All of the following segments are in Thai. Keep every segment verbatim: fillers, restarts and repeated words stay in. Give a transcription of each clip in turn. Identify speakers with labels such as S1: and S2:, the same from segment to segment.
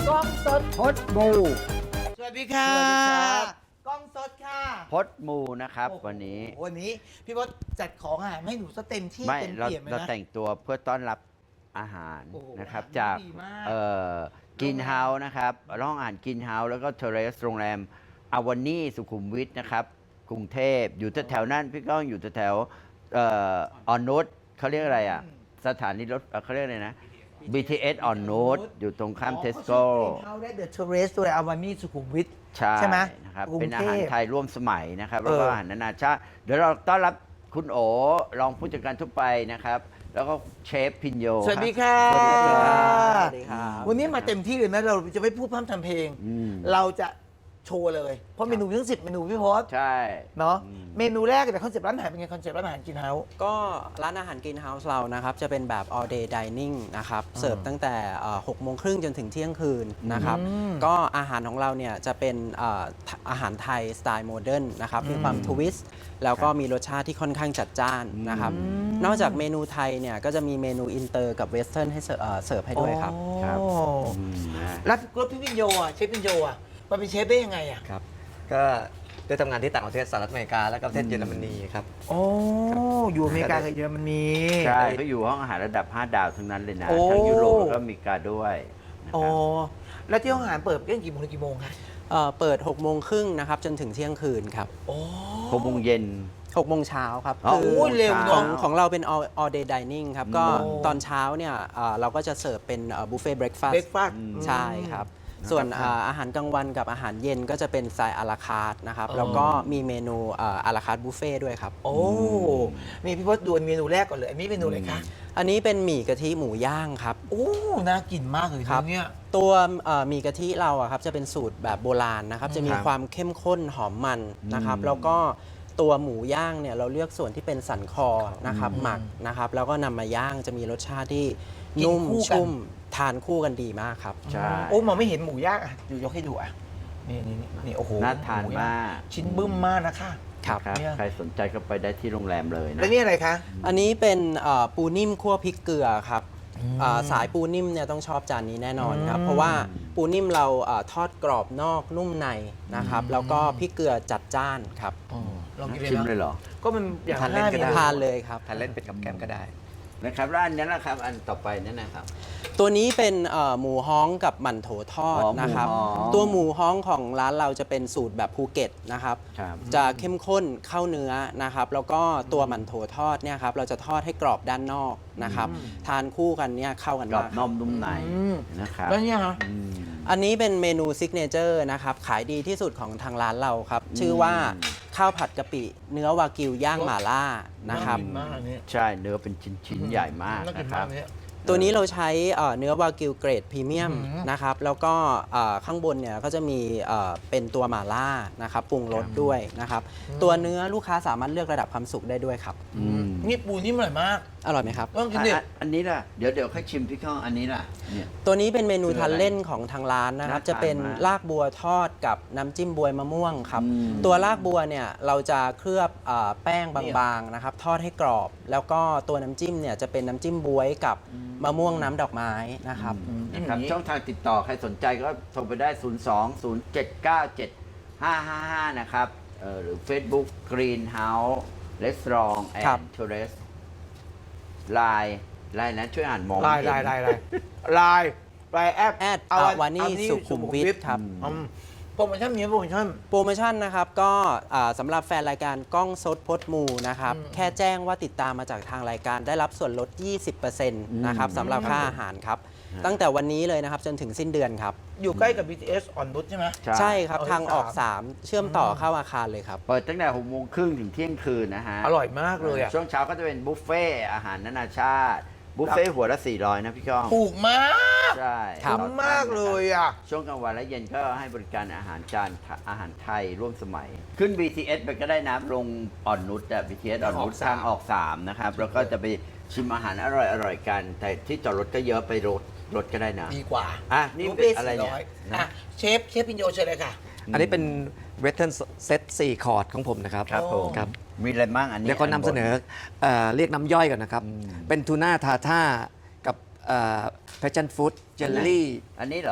S1: กล้องสด
S2: พดมู
S1: สวัสดีค่ะ
S2: สวัสดีครับ
S1: กล้องสดค่ะ
S2: พดมูนะครับ
S1: โอ้โห
S2: วันนี้
S1: วันนี้พี่พศจัดของอาหารให้หนูซะเต็มที่
S2: ไม่
S1: เต็ม
S2: เรา
S1: เปี่ยมเลย
S2: เรา
S1: นะ
S2: แต่งตัวเพื่อต้อนรับอาหาร
S1: โอ้โห
S2: นะครับ
S1: อาหาร
S2: จาก
S1: ดีมาก
S2: เอ่อกินเฮาส์นะครับร้องอ่านกินเฮาส์แล้วก็เทเรสโรงแรมอาวานี่สุขุมวิทนะครับกรุงเทพอยู่แถวๆนั้นพี่ก้องอยู่แถวๆเอ่อออนนุชเขาเรียกอะไรอ่ะ สถานีรถเอ่อเขาเรียกอะไรนะ บี ที เอส ออนนุชอยู่ตรงข้ามเทสโก้
S1: เขาได้เดอะเทเรสตัวอาวานี่สุขุมวิท
S2: ใช่
S1: ใช่ไหม
S2: นะครับ
S1: กรุง
S2: เป็นอา
S1: เทพ
S2: หารไทยร่วมสมัยนะครับแล้วก็
S1: เอออ
S2: อาหารนานาชาติเดี๋ยวเราต้อนรับคุณโอรองผู้จัดการทั่วไปนะครับ แล้วก็เชฟพินโย
S1: สวัสดี
S2: ค
S1: ค่ะ
S2: รับสวัสดีครับ
S3: สวัสดีครับ
S1: วันนี้มาเต็มที่เลยนะเราจะไม่พูดพร่ำทำเพลง
S2: อืม
S1: เราจะโชว์เลย เพราะเมนูทั้งสิบเมนูพี่พศ
S2: ใช่
S1: เนาะ
S2: อืม
S1: เมนูแรกแต่คอนเซ็ปต์ร้านอาหารเป็นไงคอนเซ็ปต์ร้านอาหารกินเฮาส์
S3: ก็ร้านอาหารกินเฮาส์เรานะครับจะเป็นแบบ all day dining นะครับเสิร์ฟตั้งแต่หกโมงครึ่งจนถึงเที่ยงคืนนะครับ
S1: อืม
S3: ก็อาหารของเราเนี่ยจะเป็นเอ่ออาหารไทยสไตล์โมเดิร์นนะครับมีความทวิสต์แล้วก็มีรสชาติที่ค่อนข้างจัดจ้านนะครับนอกจากเมนูไทยเนี่ยก็จะมีเมนูอินเตอร์กับเวสเทิร์นให้เสิร์ฟเอ่อเสิร์ฟให้ด้วยครับ
S2: ครับ
S1: โอ้
S2: อืมนะ
S1: แล้วรถพี่พิญโยอ่ะเชฟพิญโยอ่ะมาเป็นเชฟได้ยังไงอ่ะ
S4: ครับก็ได้ทำงานที่ต่างประเทศสหรัฐอเมริกาและก็ประเทศเยอรมนีครับ
S1: โอ้อยู่อเมริกากับเยอรมนี
S2: ใช่เขาอยู่ห้องอาหารระดับ ห้า ดาวทั้งนั้นเลยนะ
S1: โอ้
S2: ทั้งยุโรปแล้วก็อเมริกาด้วยนะค
S1: โอ้
S2: รับ
S1: แล้วที่ห้องอาหารเปิดเรื่องกี่โมงถึงกี่โมงคะ
S3: เอ่อเปิดหกโมงครึ่งนะครับจนถึงเที่ยงคืนครับ
S1: โอ้
S2: หกโมงเย็น
S3: หกโมงเช้าครับ
S2: อ๋อ
S3: คื
S1: โอ้ยเร็ว
S3: ข
S1: เน
S3: อ
S1: อะ
S3: งของเราเป็น all all day dining ครับ ก็
S1: โอ้
S3: ตอนเช้าเนี่ยเอ่อเราก็จะเสิร์ฟเป็นบุฟเฟ่เบรคฟาส
S1: เบรก
S3: ต์
S1: ฟาสต์
S3: ใช่ครับ ส่วนอ่าอาหารกลางวันกับอาหารเย็นก็จะเป็นสไตล์อาราคาร์ทนะครับ
S1: อ๋อ
S3: แล้วก็มีเมนูอ่าอาราคาร์ทบุฟเฟ่ด้วยครับ
S1: โอ้มีพี่พศดวลเมนูแรกก่อนเลยอันนี้เมนูอะไรคะ
S3: อันนี้เป็นหมี่กะทิหมูย่างครับ
S1: โอ้น่ากินมากเลย
S3: ครับ
S1: เนี่ย
S3: ตัวเอ่อหมี่กะทิเราอะครับจะเป็นสูตรแบบโบราณนะครับ จะมี
S2: ครับ
S3: ความเข้มข้นหอมมันนะครับ แล้วก็ตัวหมูย่างเนี่ยเราเลือกส่วนที่เป็นสันคอนะครับหมักนะครับ แล้วก็นำมาย่างจะมีรสชาติที่
S1: กิน
S3: นุ่ม
S1: คู่กัน
S3: ชุ่มทานคู่กันดีมากครับ
S2: ใช่
S1: โอ้มองไม่เห็นหมูย่างอ่ะดูยกให้ดูอ่ะนี่นี่นี่นี่โอ้โห
S2: น่าทาน
S1: หย่ง
S2: มาก
S1: ชิ้นบึ้มมากนะคะ
S3: ครับ
S2: ครับ
S1: เนี่ย
S2: ใครสนใจก็ไปได้ที่โรงแรมเลยนะ
S1: แล้วนี่อะไรคะ
S3: อันนี้เป็นเอ่อปูนิ่มคั่วพริกเกลือครับ
S1: อืม
S3: อ่าสายปูนิ่มเนี่ยต้องชอบจานนี้แน่นอนครับ
S1: อืม
S3: เพราะว่าปูนิ่มเราอ่าทอดกรอบนอกนุ่มในนะครับ แล้วก็พริกเกลือจัดจ้านครับ
S1: อ๋อลองกินเลย
S2: ชิม
S1: นะ
S2: เลยเหรอ
S1: ก็มันอย่าง
S4: ทานเล่น
S1: ห้า
S4: ก็
S1: เม
S4: ได้
S1: นู
S3: ทานเลยครับ
S4: ทานเล่นเป็นกับแกล้มก็ได้
S2: นะครับแล้วอันนั้นนะครับ อันต่อไปนั่นนะครับ
S3: ตัวนี้เป็นเอ่อหมูฮ้องกับหมั่นโถทอด
S2: อ๋อหมู
S3: นะครับ
S2: ฮ้อง
S3: ตัวหมูฮ้องของร้านเราจะเป็นสูตรแบบภูเก็ตนะครับ
S2: ครับ
S3: จะเข้มข้นเข้าเนื้อนะครับ แล้วก็ตัวหมั่นโถทอดเนี่ยครับเราจะทอดให้กรอบด้านนอกนะครับ ทานคู่กันเนี่ยเข้ากัน
S2: กรอ
S3: มา
S2: บ
S3: ก
S2: นอมนุ่มใน
S1: อืม
S2: นะครับ
S1: แล้วเนี่ยฮะ
S2: อืม
S3: อันนี้เป็นเมนูซิกเนเจอร์นะครับ ขายดีที่สุดของทางร้านเราครับ ชื่อว่าข้าวผัดกะปิ เนื้อวากิวย่างหม่าล่านะครับ
S1: ากินมากอันนี้
S2: ใช่เนื้อเป็นชิ้นๆใหญ่มาก
S1: น่ากิ
S2: นะ
S1: น
S2: ค
S1: มา
S2: รั
S1: ก
S2: บ
S1: เนี่ย
S3: ตัวนี้เราใช้เอ่อเนื้อวากิวเกรดพรีเมียม
S1: อืม
S3: นะครับ แล้วก็เอ่อข้างบนเนี่ยก็จะมีเอ่อเป็นตัวหม่าล่านะครับปรุงรสด้วยนะครับ ตัวเนื้อลูกค้าสามารถเลือกระดับความสุกได้ด้วยครับ
S2: อืม
S1: นี่ปูนี่มันอร่อยมาก
S3: อร่อยไหมครับ
S1: ต้องกิน
S2: อัน
S1: ดิ
S2: อันอันนี้ล่ะ เดี๋ยวเดี๋ยวค่อยชิมพี่ข้องอันนี้ล่ะเนี่ย
S3: ตัวนี้เป็นเมนู
S2: คืออะไร
S3: ทานเล่นของทางร้านนะครับ
S2: น่าทาน
S3: จะเป็น
S2: มาก
S3: ลากบัวทอดกับน้ำจิ้มบวยมะม่วงครับ
S2: อืม
S3: ตัวลากบัวเนี่ยเราจะเคลือบเอ่อแป้งบางๆนะครับ ทอดให้กรอบ แล้วก็ตัวน้ำจิ้มเนี่ยจะเป็นน้ำจิ้มบวยกับมะม่วงน้ำดอกไม้นะครับ
S2: นะครับช่องทางติดต่อใครสนใจก็โทรไปได้ ศูนย์ สอง ศูนย์ เจ็ด เก้า เจ็ด ห้า ห้า ห้า นะครับเอ่อหรือ Facebook Greenhouse Restaurant
S3: ครับ
S2: and Tourist ไลน์ไลน์นั้นช่วยอ่านมอง
S1: ลาย
S2: ไม่
S1: ลาย
S2: เห็น
S1: ลายลายลายลายแอป
S3: แอด
S1: เ
S3: อาวานี่สุขุมวิทครับ
S1: อืมโปรโมชั่นมีไหมโปรโมชั่น
S3: โปรโมชั่นนะครับก็อ่าสำหรับแฟนรายการกล้องสดพดมูนะครับ แค่แจ้งว่าติดตามมาจากทางรายการได้รับส่วนลด ยี่สิบเปอร์เซ็นต์ นะครับสำหรับค่าอาหารครับ ตั้งแต่วันนี้เลยนะครับจนถึงสิ้นเดือนครับ
S1: อยู่ใกล้กับ บี ที เอส อ่อนนุชใช่ไหม
S3: ใช่ครับ
S1: เอา
S3: ทางออก
S1: สาม
S3: สาม เชื่อมต่อเข้าอาคารเลยครับ
S2: เปิดตั้งแต่หกโมงครึ่งถึงเที่ยงคืนนะฮะ
S1: อร่อยมากเลยอ่ะ
S2: ช่วงเช้าก็จะเป็นบุฟเฟ่ต์อาหารนานาชาติ บุฟเฟ่ต์หัวละ สี่ร้อย นะพี่ก้อง
S1: ถูกมาก
S2: ใช่
S3: ครับ
S1: คุ้มมากเลยอ่ะ
S2: ช่วงกลางวันและเย็นก็ให้บริการอาหารจานอาหารไทยร่วมสมัย ขึ้น บี ที เอส ไปก็ได้นะลงอ่อนนุชอะ บี ที เอส อ่อนนุช
S1: ทางออกสาม
S2: ทางออกสามนะครับ แล้วก็จะไปชิมอาหารอร่อยๆกัน แต่ที่จอดรถก็เยอะไปรถรถก็ได้นะ
S1: ดีกว่า
S2: อ่ะนี่
S1: บุฟ
S2: เป็
S1: เฟ่
S2: นอะไรเนี่ย
S1: สี่ร้
S2: นะ
S1: อ่ะเชฟเชฟพิญโยเชิญเลยค่ะ
S4: อันนี้เป็นเวสเทิร์นเซตสี่คอร์ดของผมนะครับ
S2: ครับผม
S4: ครับ
S2: มีอะไรบ้างอันนี้
S4: เดี๋ยวก็นำเสนอเอ่อเรียกน้ำย่อยก่อนนะครับ เป็นทูน่าทาท่ากับแพชชั่นฟู้ดเจลลี่
S2: อันนี้เหรอ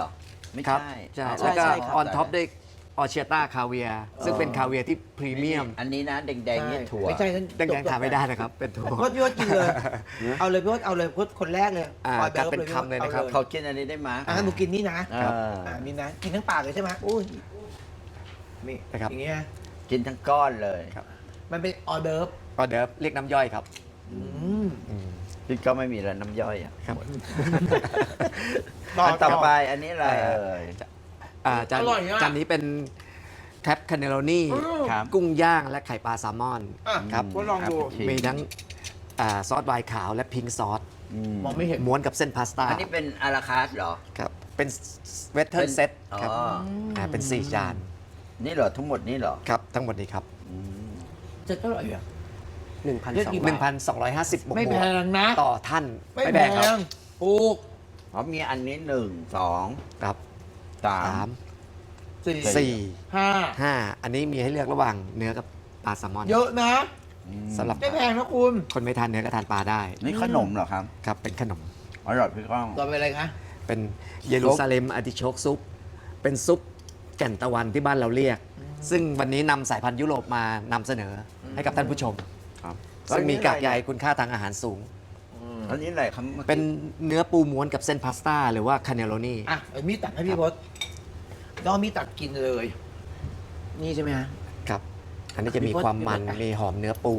S2: ไม่
S4: ครับ
S2: ใช่
S4: ใช่
S2: อ๋อ
S4: แล้วก็
S3: ใช่ครับ
S4: ออนท็อปด้วยออเชียต้าคาเวียซึ่งเป็นคาเวียที่พรีเมียม
S2: อันนี้นะแดงๆนี่ถั่ว
S1: ไม่ใช่นั่น
S4: แดงๆทานไม่ได้นะครับ เป็นถั่ว
S1: พี่พศพี่พศกินเลย เอาเลยพี่พศเอาเลยพี่พศคนแรกเลย
S4: อ่า
S1: ออดิร์ฟ
S4: จัดเป็นคำเลยนะครับ
S1: อา
S2: เขากินอันนี้ได้ไหม
S1: อ่ะงั้นหนูกินนี่นะ
S2: เออ
S1: อ่านี่นะกินทั้งปากเลยใช่ไหมอุ้ยนี่
S4: นะครับ
S1: อย่างเงี้ย
S2: กินทั้งก้อนเลย
S4: ครับ
S1: มันเป็นออเดิร์ฟ
S4: ออเดิร์ฟเรียกน้ำย่อยครับ
S1: อืม
S4: อืม
S2: พี่ก็ไม่มีแล้วน้ำย่อยอ่ะ
S4: ครับ
S1: ต่อ
S2: อันต่อไปอันนี้อะไรเอ่ย
S4: อ่าจาน
S1: อร่อยอะ
S4: จานนี้เป็นแคปคาเนโรนี่
S2: ครับ
S4: กุ้งย่างและไข่ปลาแซลมอน
S1: อ่ะ
S4: ครับ
S1: ก็ลองดู
S2: ครับ
S4: มีทั้งอ่าซอสไวน์ขาวและพิงค์ซอส
S2: อืม
S1: มองไม่เห็น
S4: ม้วนกับเส้นพาสต้า
S2: อันนี้เป็นอาราคาสเหรอ
S4: ครับเป็นเวสเทิร์นเซตครับ
S2: อ๋อ
S4: อ่าเป็นสี่จาน
S2: นี่เหรอทั้งหมดนี่เหรอ
S4: ครับทั้งหมดนี้ครับ
S2: อืม
S1: จะเท่าไหร่อ่ะ
S3: หนึ่งพัน
S1: เลือก
S3: สอง
S1: กี่
S4: หนึ่งพันสองร้อยห้าสิบบวก
S1: ไม่
S4: บ
S1: แพ
S4: วก
S1: งนะ
S4: ต่อท่าน
S1: ไม่แพ
S4: ครับ
S1: งถูก
S2: อ๋อมีอันนี้หนึ่งสอง
S4: ครับ
S2: สา
S4: สาม ม
S1: สี่
S4: สี่
S1: ห้า
S4: ห้าอันนี้มีให้เลือกระหว่างเนื้อกับปลาแซลมอน
S1: เยอะนะ
S4: สำหรับ
S1: ไม่แพงนะคุณ
S4: คนไม่ทานเนื้อก็ทานปลาได้
S2: นี่ขนมเหรอครับ
S4: ครับเป็นขนม
S2: อร่อยพี่ก้อง
S1: ต่อไปอะไรคะ
S4: เป็นเยรูซาเล็มอาร์ติโชกซุป เป็นซุปแก่นตะวันที่บ้านเราเรียก ซึ่งวันนี้นำสายพันธุ์ยุโรปมานำเสนอให้กับท่านผู้ชม
S2: ครับ
S4: ซึ่งมีกากใยคุณค่าทางอาหารสูง
S2: อันนี้อะไรครับ
S4: เป็นเนื้อปูม้วนกับเส้นพาสต้าหรือว่าคาเนโรนี
S1: อ่ะเอามีดตัดให้พี่พศน้องมีดตัดกินเลย นี่ใช่ไหมฮะ
S4: ครับ อันนี้จะมีความมันมีหอมเนื้อปู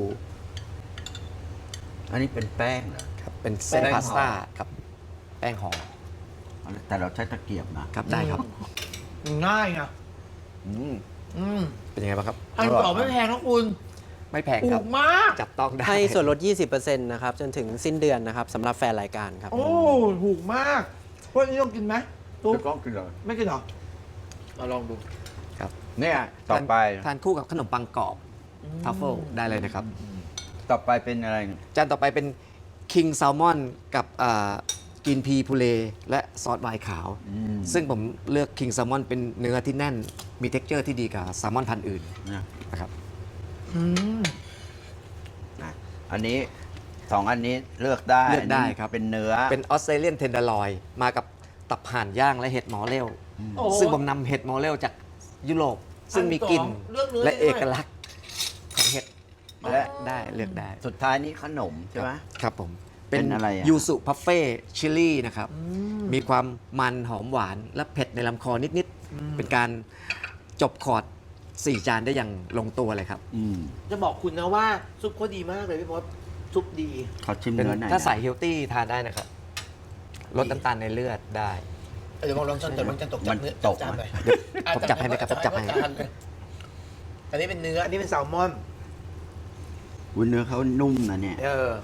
S2: อันนี้เป็นแป้งเหรอ
S4: ครับเป็นเส้น
S2: แป้ง
S4: พาสต้า
S2: ห่อ
S4: กับแป้งหอม
S2: แต่เราใช้ตะเกียบนะครับ
S4: ได้ครับ
S1: ง่ายนะ
S2: อืม
S1: อืม
S4: เป็นยังไงบ้างครับ
S1: อันต่อไม่แพงนะคุณ
S4: ไม่แพง
S1: ถู
S4: ครับ
S1: กมาก
S4: จับต้องได้
S3: ให้ส่วนลด ยี่สิบเปอร์เซ็นต์ นะครับ จนถึงสิ้นเดือนนะครับสำหรับแฟนรายการครับ
S1: โอ้ถูกมากพวกนี้ต้องกินไหมตุ๊ก
S2: พี่ก้องกินเลย
S1: ไม่กินเหรอมาลองดู
S2: เนี่ยต่อไป
S4: ทานคู่กับขนมปังกรอบทัฟเฟิลได้เลยนะครับ
S2: ต่อไปเป็นอะไร
S4: จานต่อไปเป็นคิงแซลมอนกับกินพีพูเลและซอสไวน์ขาว
S2: อืม
S4: ซึ่งผมเลือกคิงแซลมอนเป็นเนื้อที่แน่น มีเท็กเจอร์ที่ดีกว่าแซลมอนพันธุ์อื่น
S2: นะ
S4: นะครับ
S1: อืม
S2: นะอันนี้สองอันนี้เลือกได้
S4: เลือกได้
S2: นนี้
S4: ครับ
S2: เป็นเนื้อ
S4: เป็นออสเตรเลียนเทนเดอร์ลอยมากับตับห่านย่างและเห็ดหมอเร็ว
S1: โอ้
S4: ซึ่งผมนำเห็ดหมอเร็วจากยุโรป ซึ่งมีกลิ่น
S1: อันสองเลือกเนื้อ
S4: และ
S1: ได้
S4: เอ
S1: ด้วย
S4: กลักษณ์ของเห็ด
S2: และ
S4: ได้เลือกได้
S2: สุดท้ายนี้ขนมใช่ไหม
S4: ครับผม
S2: เป็นอะไรอะ
S4: ยูสุพัฟเฟ่ชิลลี่นะครับ มีความมันหอมหวานและเผ็ดในลำคอนิด ๆ เป็นการจบคอร์ดสี่จานได้อย่างลงตัวเลยครับ
S2: อืม
S1: จะบอกคุณนะว่าซุปเขาดีมากเลยพี่พศซุปดี
S2: เขาชิม
S4: เป็น
S2: เนื้อหน่อย
S4: ถ้า
S2: นะ
S4: ใส่เฮลตี้ทานได้นะครับ ลดน้ำตาลในเลือดได้
S1: เดี๋ยวลองลองจนแต่มันจะตกจากเนื้อ
S2: มันตก
S1: จานหน่อย
S4: ผมจับให้ไหมครับผมจับให้
S1: อันนี้เป็นเนื้อ อันนี้เป็นแซลมอน
S2: วุ้นเนื้อเขานุ่มนะเนี่ย
S1: เออ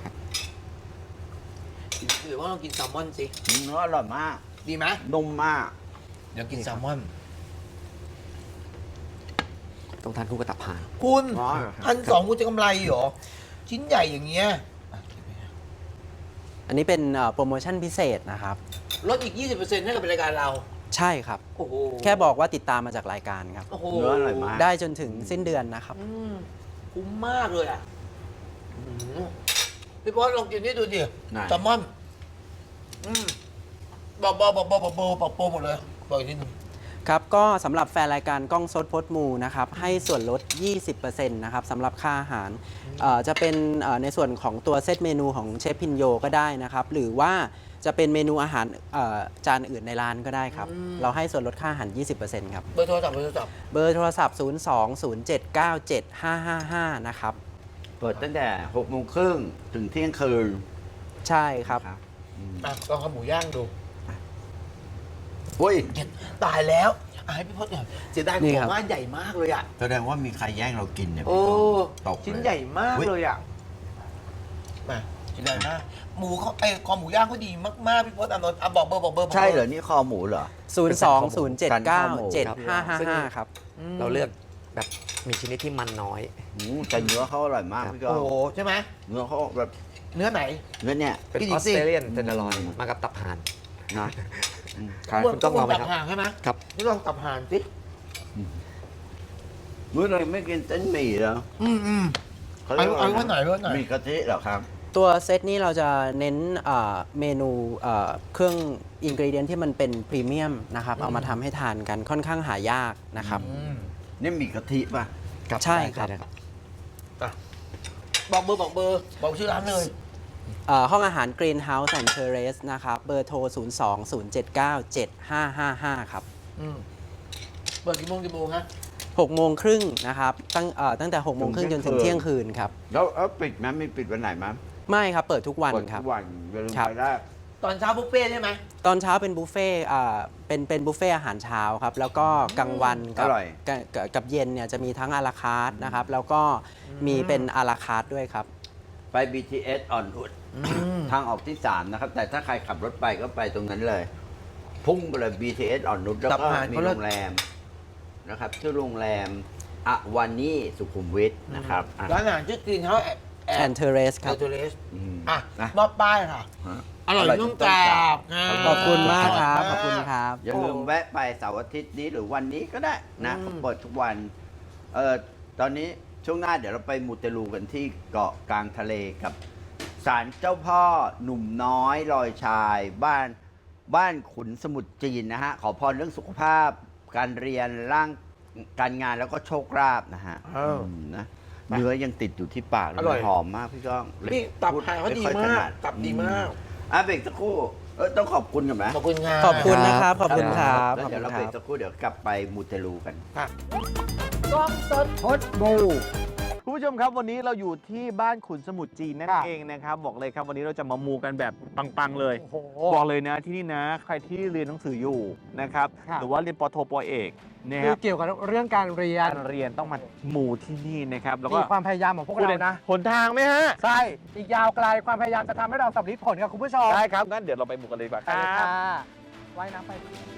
S1: หรือว่าเรากินแซลมอนสิ
S2: เนื้ออร่อยมาก
S1: ดีไหม
S2: นุ่มมาก
S1: เดี๋ยวกินแซลมอน
S4: ต้องทานคู่กับตับห่าน
S1: คุณ
S2: อ๋อ
S1: พันสองคุณจะกำไรเหรอ ชิ้นใหญ่อย่างเงี้ย
S3: อันนี้เป็นเอ่อโปรโมชั่นพิเศษนะครับ
S1: ลดอีก ยี่สิบเปอร์เซ็นต์ให้กับรายการเรา
S3: ใช่ครับ
S1: โอ้โห
S3: แค่บอกว่าติดตามมาจากรายการครับ
S1: โอ้โห
S2: เนื้ออร่อยมาก
S3: ได้จนถึงสิ้นเดือนนะครับ
S1: อืมคุ้มมากเลยอ่ะอืมพี่บอสลองกินนี่ดูดิ
S2: ไหน
S1: แซลมอน อืมบอกบอกบอกบอกบอกบอกบอกโปรหมดเลย บอกอีกนิดนึง
S3: ครับ ก็สำหรับแฟนรายการกล้องสดพดมูนะครับ ให้ส่วนลด ยี่สิบเปอร์เซ็นต์ นะครับสำหรับค่าอาหารเอ่อจะเป็นเอ่อในส่วนของตัวเซตเมนูของเชฟพินโยก็ได้นะครับ หรือว่าจะเป็นเมนูอาหารเอ่อจานอื่นในร้านก็ได้ครับ
S1: อืม
S3: เราให้ส่วนลดค่าอาหาร ยี่สิบเปอร์เซ็นต์ ครับ
S1: เบอร์โทรศัพท์เบอร์โทรศัพท์
S3: เบอร์โทรศัพท์ ศูนย์ สอง ศูนย์ เจ็ด เก้า เจ็ด ห้า ห้า ห้า นะครับ
S2: เปิดตั้งแต่หกโมงครึ่งถึงเที่ยงคืน
S3: ใช่ครับ
S2: ครับอืม
S1: อ่ะลองข้าวหมูย่างดู
S2: อุ้ย
S1: เจ็ดตายแล้วอ่ะให้พี่พจน์หน่อยเสียดาย
S3: นี่
S1: ข
S3: ครั
S1: อบ งว่าใหญ่มากเลยอ่ะ
S2: แสดงว่ามีใครแย่งเรากินเนี่ย
S1: โอ้
S2: ตกเลย
S1: ชิ้นใหญ่มาก
S2: อุ๊ย
S1: เลยอ่ะ มาชิ้นใหญ่มาก หมูเขาไอ้คอหมูย่างเขาดีมากๆพี่พจน์อานนท์อ่ะบอกเบอร์บอกเบอร์บอก
S2: ใช่เหรอ นี่คอหมูเหรอ
S3: ศูนย์ สอง ศูนย์ เจ็ด เก้า เจ็ด ห้า ห้า ห้า ครับ
S1: ม
S4: เราเลือกแบบมีชนิดที่มันน้อย
S2: อืมแต่เนื้อเขาอร่อยมาก
S4: ครับ
S2: พี่ก้
S1: โอ้
S2: อง
S1: โหใช่ไหม
S2: เนื้อเขาแบบ
S1: เนื้อไหน
S2: เนื้อเนี่ย
S4: เป็น
S1: กิน
S4: อ
S1: อี
S4: อก ส
S1: สิ
S4: เตรเลียนเทนเดอร์ลอยมากับตับห่าน
S2: นะอืม
S4: ครับคุณต้องลองไหมครับ
S1: ตับห่างใช่ไหม
S4: ครับ
S1: นี่ลองตับห่างสิ
S2: มื้อไหนไม่กินเส้นหมี่เหรอ
S1: อืมอืม
S2: เขาเรียกว่า
S1: เอาเอาไว้ไหนไว้ไหน
S2: หมี่กะทิเหรอครับ
S3: ตัวเซตนี้เราจะเน้นเอ่อเมนูเอ่อเครื่องอินกรีเดียนที่มันเป็นพรีเมียมนะครับเอามาทำให้ทานกันค่อนข้างหายากนะครับ
S2: นี่มีกะทิป่ะ
S3: ใช่ครับ
S4: ได้ครับ
S1: อ่ะบอกเบอร์บอกเบอร์บอกชื่อร้านเลย
S3: เอ่อห้องอาหาร Greenhouse and Terrace นะครับเบอร์โทร ศูนย์ สอง ศูนย์ เจ็ด เก้า เจ็ด ห้า ห้า ห้า ครับ
S1: อืมเปิดกี่โมงกี่โมงฮะ
S3: หกโมงครึ่งนะครับตั้งเอ่อตั้งแต่หกโมงครึ่งจนถึงเที่ยงคืนครับ
S2: แล้วแล้วปิดไหมไม่ปิดวันไหนมั้ย
S3: ไม่ครับเปิดทุกวัน
S2: เปิด
S3: ครับ
S2: ทุกวันอย่าลืม
S3: ครับ
S2: ไปได้
S1: ตอนเช้าบุฟเฟ่ต์ใช่ไหม
S3: ตอนเช้าเป็นบุฟเฟ่ต์อ่าเป็นเป็นบุฟเฟ่ต์อาหารเช้าครับ แล้วก็กลางวันกับ
S2: อร่อย
S3: กับกับกับเย็นเนี่ยจะมีทั้งอาราคาร์ทนะครับ แล้วก็มีเป็นอาราคาร์ทด้วยครับ
S2: ไป บี ที เอส อ่อนอุดทางออกที่สามนะครับ แต่ถ้าใครขับรถไปก็ไปตรงนั้นเลย พุ่งไปเลย บี ที เอส อ่อนนุชแล้วก็มีโรงแรมนะครับชื่อโรงแรมอวานี่สุขุมวิทนะครับอ่ะ
S1: ร้านอาหารชื่อกรีนเฮาส์แอ
S3: แอนเทเรสค
S1: แอ
S3: รับ
S1: ลตูเรส
S2: อืม
S1: อ่ะ
S2: นะ
S1: มอบป้ายค่ะ
S2: ฮะ
S1: อร่อยนุ่มกราบ
S3: ขอบคุณมากครับ ขอบคุณครับ
S2: อย่าลืมแวะไปเสาร์อาทิตย์นี้หรือวันนี้ก็ได้นะเขาเปิดทุกวันเออตอนนี้ช่วงหน้าเดี๋ยวเราไปมูเตลูกันที่เกาะกลางทะเลกับศาลเจ้าพ่อหนุ่มน้อยลอยชาย บ้านบ้านขุนสมุทรจีนนะฮะ ขอพรเรื่องสุขภาพ การเรียนร่างการงานแล้วก็โชคลาภนะฮะ
S1: อ้าว
S2: อืมนะเนื้อยังติดอยู่ที่ปากเล
S1: อร่อย
S2: หอมมากพี่ก้อง
S1: นี่ตับ
S2: พู
S1: หายเขาดี
S2: ไค่อยถ
S1: มาก
S2: นั
S1: ตับดีมาก
S2: อ่ะเบรกสักครู่เออต้องขอบคุณกันไหม
S1: ขอบคุณงาน
S3: ขอบคุณนะครับ ขอบคุณครับ
S2: แล้ว
S3: ขอบ
S2: เดี๋ย
S3: คุ
S2: ว
S3: ณ
S2: เรา
S3: ค
S2: เบร
S3: รั
S2: ก
S3: บ
S2: สักครู่เดี๋ยวกลับไปมูเตลูกัน
S1: กล้องสด
S2: พดบู
S5: คุณผู้ชมครับวันนี้เราอยู่ที่บ้านขุนสมุทรจีนนั่น
S1: ครับ
S5: เองนะครับบอกเลยครับวันนี้เราจะมามูกันแบบปังๆเลย
S1: โอ้โห
S5: บอกเลยนะที่นี่นะ ใครที่เรียนหนังสืออยู่นะครับ
S1: ครับ
S5: หรือว่าเรียนปโทปเอกนะค
S6: คื
S5: รั
S6: อบ เกี่ยวกับเรื่องการเรียน
S5: การเรียนต้องมามูที่นี่นะครับแล้วก็
S6: มีความพยายามของพวกเรานะ
S5: หนทางไหมฮะ
S6: ใช่ อีกยาวไกลความพยายามจะทำให้เราสำลิดผลกับคุณผู้ชม
S5: ได้ครับงั้นเดี๋ยวเราไปมูกันเลยดีกว่าค
S6: ไปเลย
S5: รั
S6: ค่ะ
S5: บ
S6: ว่ายน้ำไป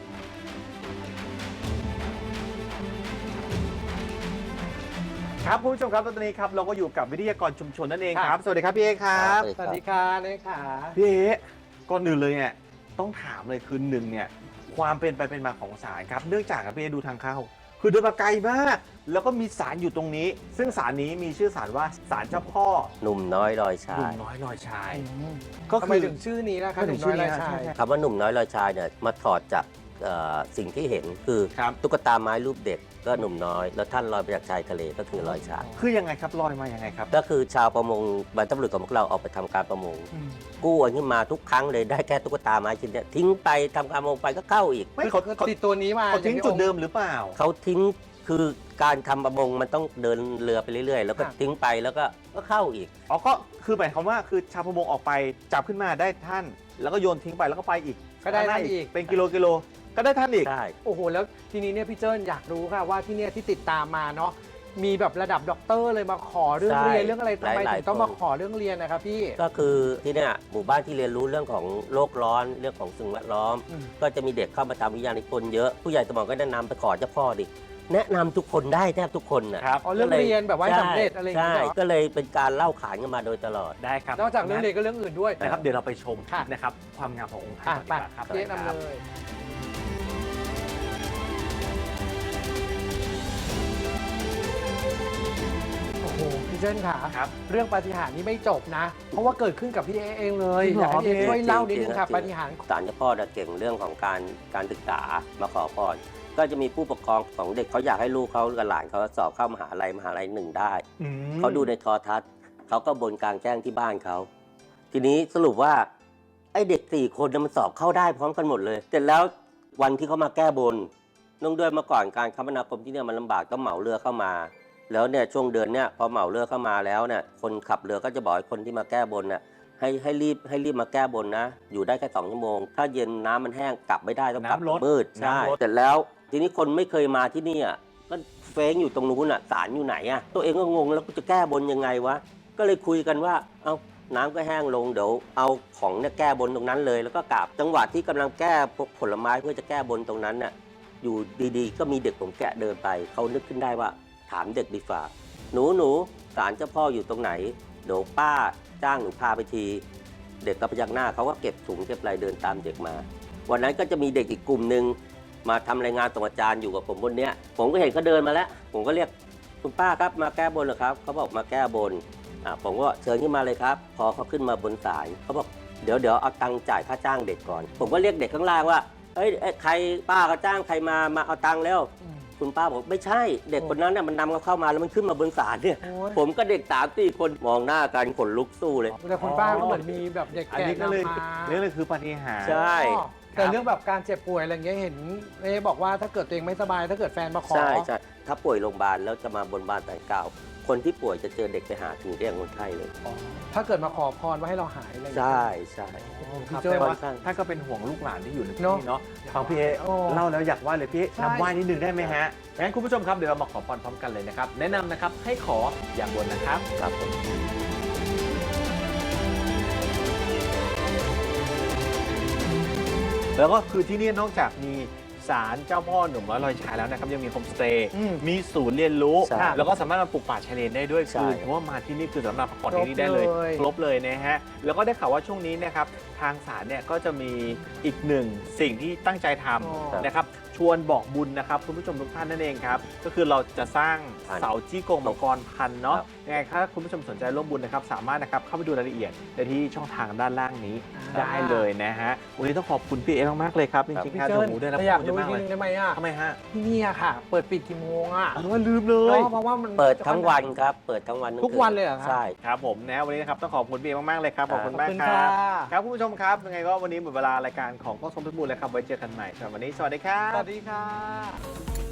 S5: ครับคุณผู้ชมครับตอนนี้ครับเราก็อยู่กับวิทยากรชุมชนนั่นเองครับ สวัสดีครับพี่เอครับ
S6: สวัสดีค่ะเลยค่ะ
S5: พี่เอก่อนอื่นเลยเนี่ยต้องถามเลยคือหนึ่งเนี่ยความเป็นไปเป็นมาของศาลครับเนื่องจากครับพี่เอดูทางเข้า คือเดินมาไกลมาก แล้วก็มีศาลอยู่ตรงนี้ ซึ่งศาลนี้มีชื่อศาลว่าศาลเจ้าพ่อ
S7: หนุ่มน้อยลอยชา
S5: หนุ่
S7: ย
S5: มน้อยลอยชาย
S6: ก็
S5: ก็
S6: ทำไม
S5: คือ
S6: ถึงชื่อนี้นะคะ
S5: ทำไม
S6: ห
S5: ถึ
S6: นุ่
S5: ง
S6: ม
S5: ชื่
S6: น้
S5: อ
S6: อย
S5: นี้
S6: ลายชาย
S5: ใช่
S7: คำว่าหนุ่มน้อยลอยชายเนี่ยมาถอดจากเอ่อสิ่งที่เห็นคือ
S5: ครับ
S7: ตุ๊กตาไม้รูปเด็กก็หนุ่มน้อย แล้วท่านลอยไปจากชายทะเลก็คือลอยชาย
S5: คือยังไงครับลอยมายังไงครับ
S7: ก็คือชาวประมงบรรพบุรุษของพวกเราออกไปทำการประมง กู้อันขึ้นมาทุกครั้งเลยได้แค่ตุ๊กตาไม้ชิ้นเนี้ยทิ้งไปทำการประมงไปก็เข้าอีก
S5: ไม่
S6: คือ
S5: เขา
S6: คือ
S5: เขา
S6: ติดตัวนี้มา
S5: เขาทิ้ง
S6: อย่
S5: จุด
S6: ที่
S5: เดิมหรือเปล่า
S7: เขาทิ้งคือการทำประมงมันต้องเดินเรือไปเรื่อยๆ แล้วก็ทิ้งไปแล้วก็ก็เข้าอีก
S5: อ๋อก็คือหมายความว่าคือชาวประมงออกไปจับขึ้นมาได้ท่าน แล้วก็โยนทิ้งไปแล้วก็ไปอีก
S6: ก็ได้นั่นอีก
S5: เป็นกิโลกิโลก็ได้ท่านอีก
S7: ใช่
S6: โอ้โห แล้วทีนี้เนี่ยพี่เจิ้นอยากรู้ค่ะว่าที่เนี่ยที่ติดตามมาเนาะ มีแบบระดับด็อกเตอร์เลยมาขอเรื่อง
S7: ใช่
S6: เรียนเรื่องอะไรทำไม
S7: หลายๆ
S6: ถึงต้อง
S7: คน
S6: มาขอเรื่องเรียนนะครับพี่
S7: ก็คือที่เนี่ยหมู่บ้านที่เรียนรู้เรื่องของโลกร้อนเรื่องของสิ่งแวดล้อม
S6: อืม
S7: ก็จะมีเด็กเข้ามาทำวิทยานิพนธ์เยอะผู้ใหญ่สมองก็แนะนำไปขอเจ้าพ่อดิแนะนำทุกคนได้แทบทุกคนนะครับ
S6: อ๋อเรื่องเรียนแบบว่าให้สำเร็จอะไรอย่างเงี้ย
S7: ใช่
S6: เหรอ
S7: ก็เลยเป็นการเล่าขานกันมาโดยตลอด
S5: ได้ครับ
S6: นอกจากเรื่องเรียนก็เรื่องอื่นด้วย
S5: นะครับเดี๋ยวเราไปชม
S6: ค่ะ
S5: นะครับความงามขององค์ท่า
S6: อ่ะ
S5: น
S6: ไป
S5: ก่อนดีกว่าครับ
S6: เจ๊นำเลย โอ้โห พี่เจิ้นค่ะ
S5: ครับ
S6: เรื่องปาฏิหาริย์นี้ไม่จบนะ เพราะว่าเกิดขึ้นกับพี่เอเองเลย
S5: จริง
S6: อ
S5: เหรอ
S6: ยากให้พี่เอช่วยเล่านิดนึงค่ะ
S7: จริงๆ
S6: ปาฏิหาริย์
S7: ศาลเจ้าพ่อเนี่ยเก่งเรื่องของการการศึกษามาขอพรก็จะมีผู้ปกครองของเด็กเขาอยากให้ลูกเขากับหลานเขาสอบเข้ามหาลัยมหาลัยหนึ่งได้
S5: อืม
S7: เขาดูในโทรทัศน์เขาก็บนกลางแจ้งที่บ้านเขา ทีนี้สรุปว่าไอ้เด็กสี่คนน่ะมันสอบเข้าได้พร้อมกันหมดเลย เสร็จแล้ววันที่เขามาแก้บนนื่องด้วยเมื่อก่อนการคมนาคมที่เนี่ยมันลำบากต้องเหมาเรือเข้ามา แล้วเนี่ยช่วงเดือนเนี่ยพอเหมาเรือเข้ามาแล้วเนี่ยคนขับเรือก็จะบอกให้คนที่มาแก้บนน่ะให้ให้รีบให้รีบมาแก้บนนะ อยู่ได้แค่สองชั่วโมง ถ้าเย็นน้ำมันแห้งกลับไม่ได้ต้องกลับ
S5: น้ำลด
S7: มืดใช่
S5: น้ำลด
S7: เสร็จแล้วทีนี้คนไม่เคยมาที่นี่อ่ะก็เฟ้งอยู่ตรงนู้นอ่ะศาลอยู่ไหนอ่ะตัวเองก็งงแล้วกูจะแก้บนยังไงวะก็เลยคุยกันว่าเอาน้ำก็แห้งลงเดี๋ยวเอาของเนี่ยแก้บนตรงนั้นเลย แล้วก็กลับจังหวะที่กำลังแก้พวกผลไม้เพื่อจะแก้บนตรงนั้นน่ะอยู่ดีๆ ก็มีเด็กผมแกะเดินไปเขานึกขึ้นได้ว่าถามเด็กดีฝ่าหนูหนูศาลเจ้าพ่ออยู่ตรงไหนเดี๋ยวป้าจ้างหนูพาไปที เด็กก็พยักหน้าเขาก็เก็บถุงเก็บอะไรเดินตามเด็กมา วันนั้นก็จะมีเด็กอีกกลุ่มหนึ่งมาทำรายงานส่งอาจารย์อยู่กับผมบนเนี้ยผมก็เห็นเขาเดินมาแล้ว ผมก็เรียกคุณป้าครับมาแก้บนเหรอครับเขาบอกมาแก้บนอ่าผมก็เชิญขึ้นมาเลยครับ พอเขาขึ้นมาบนศาลเขาบอกเดี๋ยวเดี๋ยวเอาตังค์จ่ายค่าจ้างเด็กก่อน ผมก็เรียกเด็กข้างล่างว่าเฮ้ยเอ้ยใครป้าเขาจ้างใครมามาเอาตังค์แล้ว
S6: อืม
S7: คุณป้าบอกไม่ใช่เด็กคนนั้นน่ะมันนำเขาเข้ามาแล้วมันขึ้นมาบนศาลเนี่ย
S6: โอ้ย
S7: ผมก็เด็กสามสี่คนมองหน้ากันขนลุกสู้เลย
S6: แต่คุณป้าก็เหมือนมีแบบเด็ก
S5: อัน
S6: แก่
S5: นี้ก็เลย
S6: นำมา
S5: นี่เลยคือปาฏิหาริย์
S7: ใช่
S6: อ๋อแต่เรื่องแบบการเจ็บป่วยอะไรเงี้ยเห็นเอ๊บอกว่าถ้าเกิดตัวเองไม่สบายถ้าเกิดแฟนมาขอ
S7: ใช่ใช่ถ้าป่วยโรงพยาบาลแล้วจะมาบนบานแต่กล่าวคนที่ป่วยจะเจอเด็กไปหาถึงเรียกคนไข้เลย
S6: ถ้าเกิดมาขอพรว่าให้เราหายอะไรอย่างเงี้ย
S7: ใช่ใช่
S6: โอ้โห
S5: ครับ
S6: พี่เจ้
S5: แต่
S6: ย
S5: ว่า
S7: ค่อนข้าง
S5: ท่านก็เป็นห่วงลูกหลานที่อยู่ในที่
S6: เนอะ
S5: นี่เนาะฟังพี่เอ
S6: โอ้
S5: เล่าแล้วอยากไหว้เลยพี่
S6: ใช่
S5: นำไหว้นิดนึงได้ไหมฮะงั้นคุณผู้ชมครับเดี๋ยวเรามาขอพรพร้อมกันเลยนะครับ แนะนำนะครับให้ขออย่างบนนะครับ
S7: ครับผม
S5: แล้วก็คือที่นี่นอกจากมีศาลเจ้าพ่อหนุ่มน้อยลอยชายแล้วนะครับยังมีโฮมสเตย์
S6: อืม
S5: มีศูนย์เรียนรู้
S7: ใช่
S5: แล้วก็สามารถมาปลูกป่าชายเลนได้ด้วย
S7: ใช่
S5: คือถือว่ามาที่นี่คือสำหรับพักผ่อนที่นี่ได้เลย
S6: ครบเลย
S5: ครบเลยนะฮะแล้วก็ได้ข่าวว่าช่วงนี้นะครับทางศาลเนี่ยก็จะมีอีกหนึ่งสิ่งที่ตั้งใจท
S6: อ๋อ
S5: ำนะครับชวนบอกบุญนะครับคุณผู้ชมทุกท่านนั่นเองครับก็คือเราจะสร้างเสาจี้กงมังกรพันธุ์เนาะ
S7: ครับ
S5: ยังไงถ้าคุณผู้ชมสนใจร่วมบุญนะครับสามารถนะครับเข้าไปดูรายละเอียดได้ที่ช่องทางด้านล่างนี้ ได้เลยนะฮะ วันนี้ต้องขอบคุณพี่เอมากๆเลยครับ จริงๆ
S6: พี่
S5: ครับ
S6: เจิ้
S5: เดี๋ยวน หมูได้รับ
S6: แต่อยาก
S5: ข้อมูล
S6: รู้
S5: เย
S6: อี
S5: อะ
S6: ก
S5: มาก
S6: นิ
S5: เลย
S6: ดนึงได้ไหมอ่ะ
S5: ทำไมฮะ
S6: ที่นี่อะค่ะ เปิดปิดกี่โมงอ่ะ
S5: อ๋อลืมเลย
S6: เนาะเพราะว่ามัน
S7: เปิดทั้งวันครับ เปิดทั้งวัน
S6: ทุกวันเลยเหรอครับ
S7: ใช่
S5: ครับผมนะวันนี้นะครับต้องขอบคุณพี่เอมากๆเลยครับขอบคุณ
S6: ขอบ
S5: มาก
S6: คุณ
S5: ค
S6: ค่ะ
S5: รับครับคุณผู้ชมครับยังไงก็วันนี้หมดเวลารายการของกล้องสมพิบูลแล้วครับไว้เจอกันใหม่สำหรับวันนี้สวัสดีครับ
S6: สวัสดีค่ะ